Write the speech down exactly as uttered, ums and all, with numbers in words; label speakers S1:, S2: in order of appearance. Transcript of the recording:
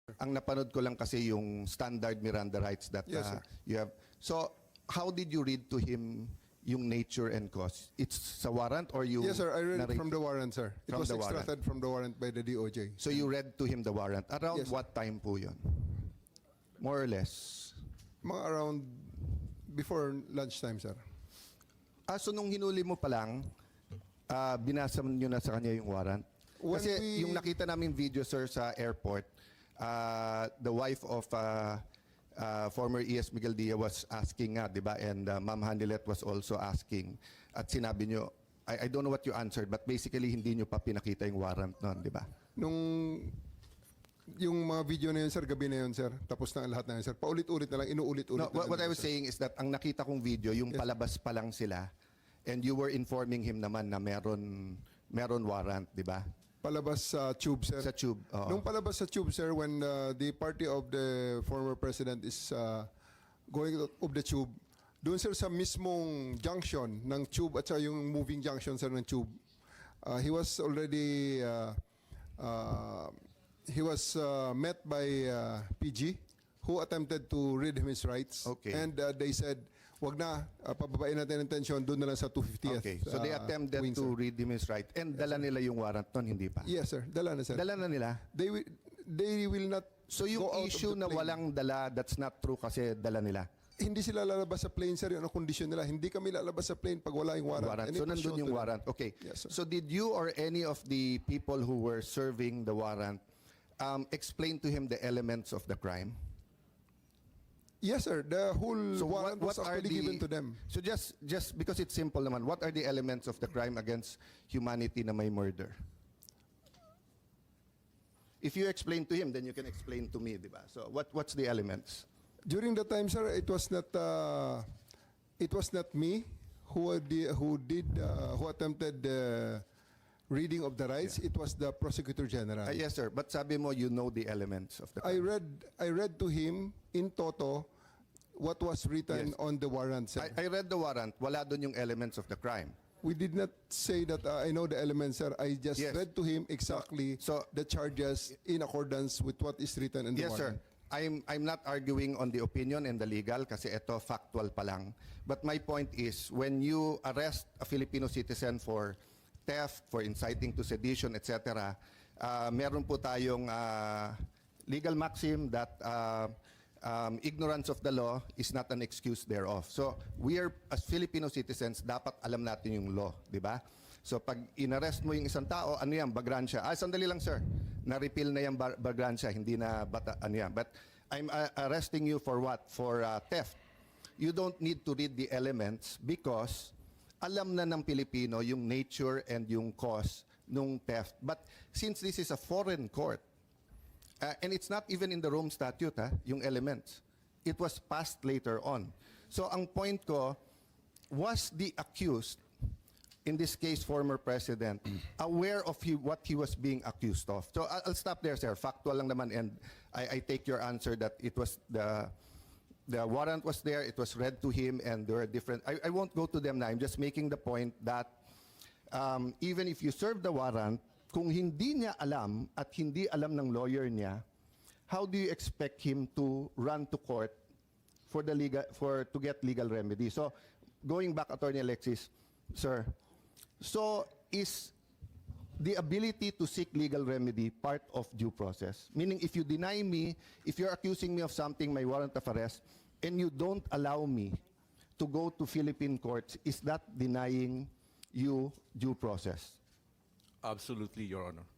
S1: Ang napanood ko lang kasi yung standard Miranda rights that
S2: Yes,
S1: uh,
S2: sir.
S1: you have. So, how did you read to him yung nature and cause? It's sa warrant or you...
S2: Yes, sir. I read it
S1: narrate-
S2: from the warrant, sir. It
S1: From
S2: was
S1: the warrant.
S2: extracted from the warrant by the D O J.
S1: So, you read to him the warrant. Around
S2: Yes, sir.
S1: what time po yun? More or less.
S2: Mga around before lunchtime, sir.
S1: Ah, so nung hinuli mo pa lang, ah, binasa nyo na sa kanya yung warrant?
S2: When
S1: Kasi
S2: we-
S1: yung nakita namin video, sir, sa airport, ah, the wife of ah, ah, former E S Miguel Dia was asking nga, di ba? And ah, Ma'am Hanilet was also asking. At sinabi nyo, I, I don't know what you answered, but basically hindi nyo pa pinakita yung warrant nun, di ba?
S2: Nung yung mga video na yun, sir, gabi na yun, sir. Tapos na ang lahat na yun, sir. Paulit-ulit na lang, inuulit-ulit
S1: No,
S2: na
S1: what,
S2: lang
S1: what I
S2: yun,
S1: was
S2: sir.
S1: saying is that ang nakita kong video, yung
S2: Yes.
S1: palabas pa lang sila, and you were informing him naman na meron, meron warrant, di ba?
S2: Palabas sa tube, sir.
S1: Sa tube, oo.
S2: Nung palabas sa tube, sir, when uh, the party of the former president is uh, going out of the tube, doon, sir, sa mismong junction ng tube at sa yung moving junction, sir, ng tube, uh, he was already uh, uh, he was uh, met by uh, P G who attempted to read him his rights.
S1: Okay.
S2: And uh, they said, wag na, uh, pababain natin ang tension, doon na lang sa two fiftieth.
S1: Okay, so they
S2: uh,
S1: attempted
S2: wing,
S1: to
S2: sir.
S1: read him his right. And dala nila yung warrant nun, hindi pa?
S2: Yes, sir. Dala na, sir.
S1: Dala na nila?
S2: They will, they will not
S1: So yung
S2: go out of
S1: issue
S2: the
S1: na
S2: plane.
S1: walang dala, that's not true kasi dala nila?
S2: Hindi sila lalabas sa plane, sir. Yun ang condition nila. Hindi kami lalabas sa plane pag wala yung warrant.
S1: Warrant.
S2: And
S1: So
S2: it was
S1: nandun
S2: shown
S1: yung
S2: to them.
S1: warrant. Okay.
S2: Yes, sir.
S1: So did you or any of the people who were serving the warrant um, explain to him the elements of the crime?
S2: Yes, sir. The whole
S1: So
S2: warrant was actually given to them.
S1: So just just because it's simple naman, what are the elements of the crime against humanity na may murder? If you explain to him, then you can explain to me, di ba? So what what's the elements?
S2: During the time, sir, it was not uh, it was not me who did who did uh, who attempted the reading of the rights. It was the prosecutor general.
S1: Ah, yes, sir. But sabi mo, you know the elements of the
S2: I
S1: crime.
S2: read I read to him in toto what was written
S1: Yes.
S2: on the warrant, sir.
S1: I, I read the warrant. Wala doon yung elements of the crime.
S2: We did not say that uh, I know the elements, sir. I just
S1: Yes.
S2: read to him exactly
S1: So-
S2: the charges in accordance with what is written in the
S1: Yes, sir.
S2: warrant.
S1: I'm I'm not arguing on the opinion and the legal kasi ito factual pa lang. But my point is when you arrest a Filipino citizen for theft, for inciting to sedition, et cetera, uh, meron po tayong uh, legal maxim that uh, um, ignorance of the law is not an excuse thereof. So we are as Filipino citizens dapat alam natin yung law, di ba? So pag inarrest mo yung isang tao, ano yan, bagransya. Ah, sandali lang, sir. Na-repeal na yung bar- bagransya, hindi na bata, ano yan. But I'm uh, arresting you for what? For uh, theft. You don't need to read the elements because alam na ng Pilipino yung nature and yung cause nung theft. But since this is a foreign court, uh, and it's not even in the Rome Statute, ha, yung elements. It was passed later on. So ang point ko, was the accused, in this case, former president, aware of he, what he was being accused of? So I'll, I'll stop there, sir. Factual lang naman, and I, I take your answer that it was the the warrant was there, it was read to him, and there are different. I, I won't go to them now. I'm just making the point that um, even if you serve the warrant, kung hindi niya alam at hindi alam ng lawyer niya, how do you expect him to run to court for the legal for to get legal remedy? So going back, Attorney Alexis, sir. So, is the ability to seek legal remedy part of due process? Meaning, if you deny me, if you're accusing me of something, my warrant of arrest, and you don't allow me to go to Philippine courts, is that denying you due process?
S3: Absolutely, Your Honor.